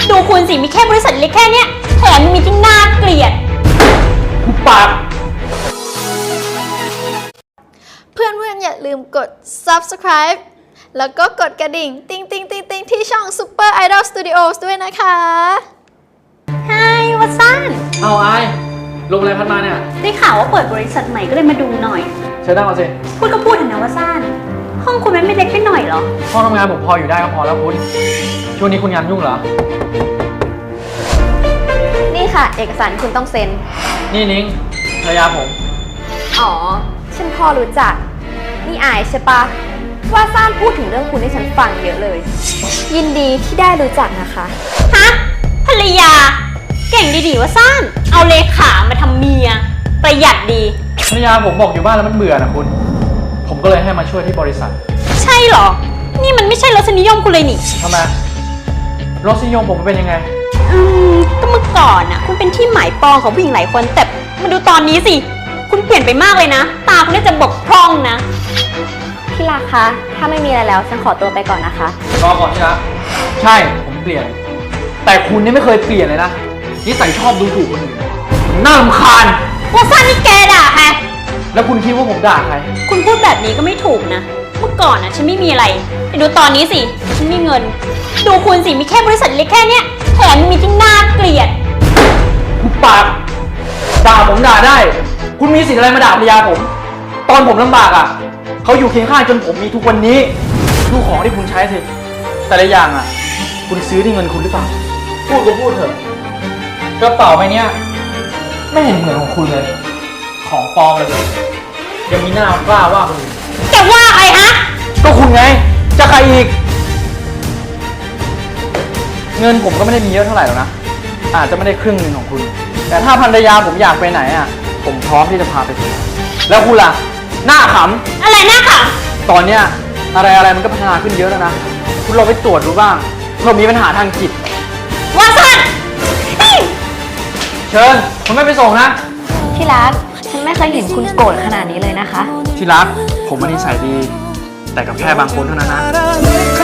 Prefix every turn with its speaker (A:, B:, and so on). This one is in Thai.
A: ดูคุณสิมีแค่บริษัทเล็กแค่เนี้ยแถมมีที่น่าเกลียด
B: หุบปาก
C: เพื่อนๆอย่าลืมกด subscribe แล้วก็กดกระดิ่งติ๊งติ๊งติ๊งติ๊งที่ช่อง Super Idol Studios ด้วยนะคะ
A: ไฮวัตสัน
B: เอาไอ้ลงอะไรพัดมาเนี่ย
A: ได้ข่าวว่าเปิดบริษัทใหม่ก็เลยมาดูหน่อย
B: เชิญนั่งมาสิ
A: พูดก็พูดเถอะนะวัตสันห้องคุณไม่เล็กไปหน่อยเหรอ
B: ห้องทำงานผมพออยู่ได้ก็พอแล้วคุณช่วงนี้คุณงานยุ่งเหรอ
C: นี่ค่ะเอกสารคุณต้องเซ็น
B: นี่นิ้งภรรยาผม
C: อ๋อฉันพอรู้จักนี่อายใช่ปะว่าซ่านพูดถึงเรื่องคุณให้ฉันฟังเยอะเลยยินดีที่ได้รู้จักนะคะ
A: ฮะภรรยาเก่งดีๆวัตสันเอาเลขามาทำเมียประหยัดดี
B: ภรรยาผมบอกอยู่บ้านแล้วมันเบื่อนะคุณผมก็เลยให้มาช่วยที่บริษัท
A: ใช่เหรอนี่มันไม่ใช่รสนิยมคุณเลยนี่
B: ทำไมรสนิยมผมเป็นยังไง
A: ก็เมื่อก่อนคุณเป็นที่หมายปองของผู้หญิงหลายคนแต่มาดูตอนนี้สิคุณเปลี่ยนไปมากเลยนะตาคุณน่าจะบกพร่องนะ
C: พี่รักคะถ้าไม่มีอะไรแล้วฉันขอตัวไปก่อนนะคะ
B: รอก่อนที่รักใช่ผมเปลี่ยนแต่คุณนี่ไม่เคยเปลี่ยนเลยนะนิสัยชอบดูถูกคนอื่นน่ารำคาญ
A: ว่าซ่านี่แกด่าใคร
B: แล้วคุณคิดว่าผมด่าใคร
A: คุณพูดแบบนี้ก็ไม่ถูกนะเมื่อก่อนฉันไม่มีอะไรแต่ดูตอนนี้สิฉันมีเงินดูคุณสิมีแค่บริษัทเล็กแค่เนี้ยแถมมีที่น่าเกลียด
B: คุณปากด่าผมด่าได้คุณมีสิทธิ์อะไรมาด่าภรรยาผมตอนผมลำบากอ่ะเขาอยู่เคียงข้างจนผมมีทุกวันนี้ดูของที่คุณใช้สิแต่ละอย่างอ่ะคุณซื้อที่เงินคุณหรือเปล่าพูดก็พูดเถอะกระเป๋าใบนี้ไม่เห็นเหมือนของคุณเลยของปลอมเลยยังมีหน้ากล้าว่าคุณ
A: จะว่าใครฮะ
B: ก็คุณไงจะใครอีกเงินผมก็ไม่ได้มีเยอะเท่าไหร่หรอกนะอาจจะไม่ได้ครึ่งหนึ่งของคุณแต่ถ้าภรรยาผมอยากไปไหนอ่ะผมพร้อมที่จะพาไปเที่ยวแล้วคุณล่ะหน้าข
A: ำอะไรหน้าข
B: ำตอนเนี้ยอะไรมันก็พัฒนาขึ้นเยอะแล้วนะคุณลองไปตรวจดูบ้างเผื่อมีปัญหาทางจิต
A: ว่าสัน
B: เชิญผมไม่ไปส่งนะ
C: ที่รักฉันไม่เคยเห็นคุณโกรธขนาดนี้เลยนะคะ
B: ที่รักผมนิสัยดีแต่กับแค่บางคนเท่านั้นนะ